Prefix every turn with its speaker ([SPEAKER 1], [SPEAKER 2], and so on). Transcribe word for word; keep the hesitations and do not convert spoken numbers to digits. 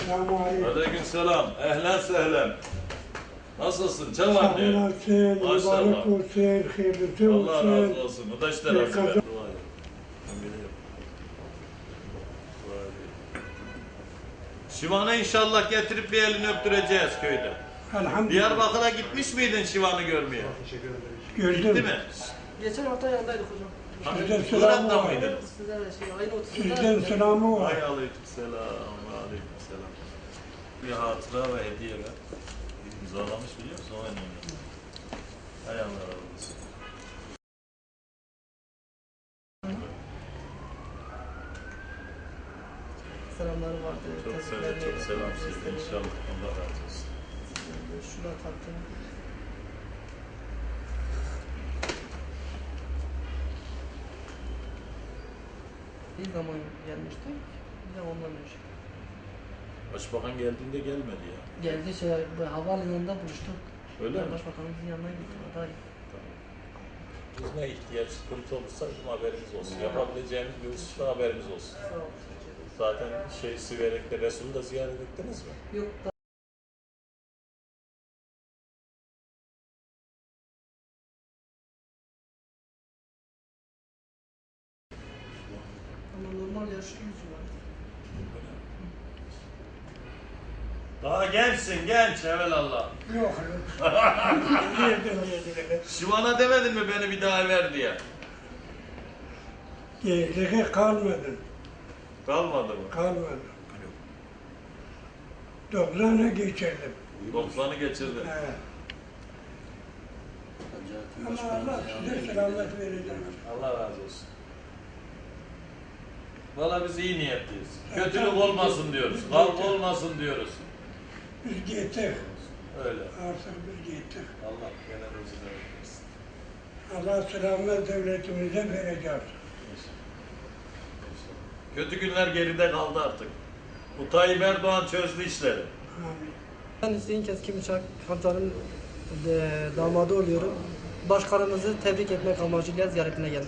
[SPEAKER 1] Selamünaleyküm.
[SPEAKER 2] Aleykümselam. Ehlen sehlen. Nasılsın? Çam
[SPEAKER 1] Sağ
[SPEAKER 2] anne.
[SPEAKER 1] olasın, mübarek
[SPEAKER 2] Maşallah.
[SPEAKER 1] olsun, hayırlısı olsun.
[SPEAKER 2] Allah razı olsun. Bu da işte
[SPEAKER 1] Bir
[SPEAKER 2] nasip
[SPEAKER 1] kadın-
[SPEAKER 2] et. Dua et. Ben biliyorum. Dua edeyim. Şivan'ı inşallah getirip bir elini öptüreceğiz köyde.
[SPEAKER 1] Elhamdülillah.
[SPEAKER 2] Diyarbakır'a gitmiş miydin Şivan'ı görmeye?
[SPEAKER 1] Gördüm.
[SPEAKER 2] Gitti mi?
[SPEAKER 3] Geçen hafta yanındaydık hocam.
[SPEAKER 2] Ha,
[SPEAKER 1] Sizden selamı
[SPEAKER 2] Irak'ta
[SPEAKER 1] var.
[SPEAKER 2] mıydın?
[SPEAKER 3] Size de şey, ayın otuzunda.
[SPEAKER 1] Sizden selamı var.
[SPEAKER 2] Ay aleykümselam. Aleykümselam. Bir hatıra ve hediye ver. İmzalamış biliyor musun? O önemli. Hay Allah razı olsun.
[SPEAKER 3] Selamları vardı.
[SPEAKER 2] Çok selam,
[SPEAKER 3] tezgahlarını
[SPEAKER 2] çok selam
[SPEAKER 3] yaptım,
[SPEAKER 2] size. İnşallah Allah razı olsun.
[SPEAKER 3] Şuna taktım. Bir zaman gelmişti. Bir de ondan önce.
[SPEAKER 2] Başbakan geldiğinde gelmedi ya.
[SPEAKER 3] Geldi şey, bu havalimanında buluştuk.
[SPEAKER 2] Öyle
[SPEAKER 3] Ben
[SPEAKER 2] mi?
[SPEAKER 3] Başbakanımızın yanına gittim. Aday.
[SPEAKER 2] Biz ne ihtiyaç, sıkıntı olursa bizim haberimiz olsun. Yapabileceğimiz bir hususta haberimiz olsun.
[SPEAKER 3] Sağ ol.
[SPEAKER 2] Zaten şey Siverek'te Resul'ü de ziyaret ettiniz mi?
[SPEAKER 3] Yok da. Ama normal yaşlı yüzü var.
[SPEAKER 2] Daha gençsin, genç evelallah.
[SPEAKER 1] Yok. Yedim yedim.
[SPEAKER 2] Şivan'a demedin mi beni bir daha ver diye?
[SPEAKER 1] Gençliğe kalmadı.
[SPEAKER 2] Kalmadı mı?
[SPEAKER 1] Kalmadı. Doksan'a geçirdim.
[SPEAKER 2] doksanı geçirdin.
[SPEAKER 1] Evet. Ama Allah size selamet verecek.
[SPEAKER 2] Allah razı olsun. Valla biz iyi niyetliyiz. Kötülük olmasın diyoruz. Kavga olmasın diyoruz.
[SPEAKER 1] Biz gittik.
[SPEAKER 2] Öyle.
[SPEAKER 1] Artık biz gittik.
[SPEAKER 2] Allah gene rızkını versin.
[SPEAKER 1] Allah selamet devletimize verecek.
[SPEAKER 2] Kötü günler geride kaldı artık. Bu Tayyip Erdoğan çözdü işleri.
[SPEAKER 1] Amin.
[SPEAKER 3] Ben Hüseyin Keskin Bıçak Kantar'ın e, damadı oluyorum. Başkanımızı tebrik etmek amacıyla ziyaretine geldim.